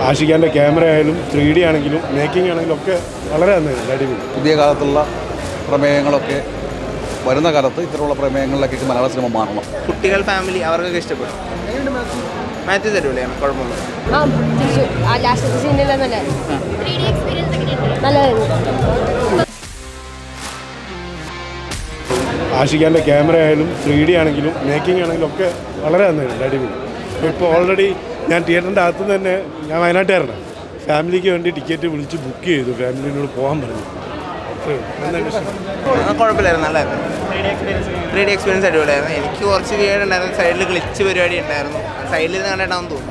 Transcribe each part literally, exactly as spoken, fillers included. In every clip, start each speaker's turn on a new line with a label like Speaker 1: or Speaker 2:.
Speaker 1: ആഷിഖാൻ്റെ camera ആയാലും three D ആണെങ്കിലും making ആണെങ്കിലും ഒക്കെ വളരെ നന്നായിരുന്നു, അടിപൊളി.
Speaker 2: പുതിയ കാലത്തുള്ള പ്രമേയങ്ങളൊക്കെ വരുന്ന കാലത്ത് ഇത്തരമുള്ള പ്രമേയങ്ങളിലേക്കൊക്കെ മലയാള സിനിമ മാറണം.
Speaker 3: കുട്ടികൾ ഫാമിലി അവർക്കൊക്കെ ഇഷ്ടപ്പെടും. മാത്യു തരൂലെയാണ് കുഴപ്പമൊന്നും.
Speaker 1: ആഷിഖാൻ്റെ ക്യാമറ ആയാലും ത്രീ ഡി ആണെങ്കിലും മേക്കിംഗ് ആണെങ്കിലും ഒക്കെ വളരെ നന്നായിരുന്നു, അടിപൊളി. ഇപ്പോൾ ഓൾറെഡി ഞാൻ തിയേറ്ററിൻ്റെ അകത്ത് തന്നെ, ഞാൻ വയനാട്ടുകാരനാണ്, ഫാമിലിക്ക് വേണ്ടി ടിക്കറ്റ് വിളിച്ച് ബുക്ക് ചെയ്തു, ഫാമിലിനോട് പോകാൻ പറഞ്ഞു.
Speaker 3: കുഴപ്പമില്ലായിരുന്നു, നല്ലതായിരുന്നു. ത്രീ ഡി എക്സ്പീരിയൻസ് അടിപൊളിയായിരുന്നു. എനിക്ക് കുറച്ച് വീട് ഉണ്ടായിരുന്നു, സൈഡിൽ ഗ്ലിച്ച് പരിപാടി ഉണ്ടായിരുന്നു, സൈഡിൽ നിന്ന് കണ്ടിട്ടാണെന്ന് തോന്നുന്നു.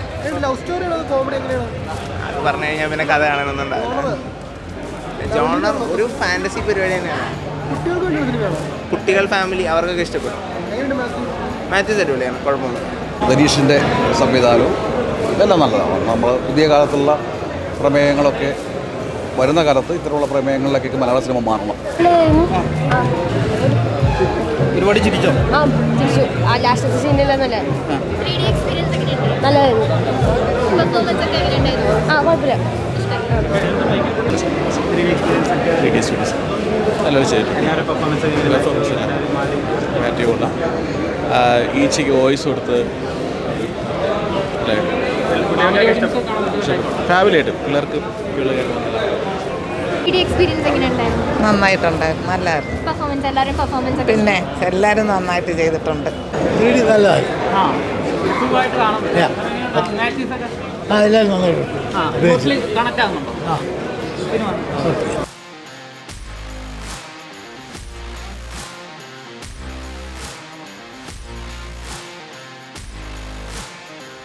Speaker 3: അത് പറഞ്ഞു കഴിഞ്ഞാൽ പിന്നെ കഥ കാണണമെന്നുണ്ടായിരുന്നു. ജോണർ ഒരു ഫാൻറ്റസി പരിപാടി തന്നെയാണ്. കുട്ടികൾ ഫാമിലി അവർക്കൊക്കെ ഇഷ്ടപ്പെടും. മാത്യു തരൂലെയാണ് കുഴപ്പമൊന്നും.
Speaker 2: ധനീഷിൻ്റെ സംവിധാനവും ഇതെല്ലാം നല്ലതാണ്. നമ്മൾ പുതിയ കാലത്തുള്ള പ്രമേയങ്ങളൊക്കെ വരുന്ന കാലത്ത് ഇത്തരമുള്ള പ്രമേയങ്ങളിലേക്കൊക്കെ മലയാള സിനിമ മാറണം.
Speaker 4: ഒരുപാട് ചിരിച്ചോ?
Speaker 5: ഈച്ചയ്ക്ക് വോയിസ് കൊടുത്ത് ഫാമിലി ആയിട്ട് പിള്ളേർക്ക്
Speaker 6: നന്നായിട്ടുണ്ടായിരുന്നു, നല്ലായിരുന്നു. പിന്നെ എല്ലാവരും നന്നായിട്ട് ചെയ്തിട്ടുണ്ട്.
Speaker 4: നന്നായിട്ട്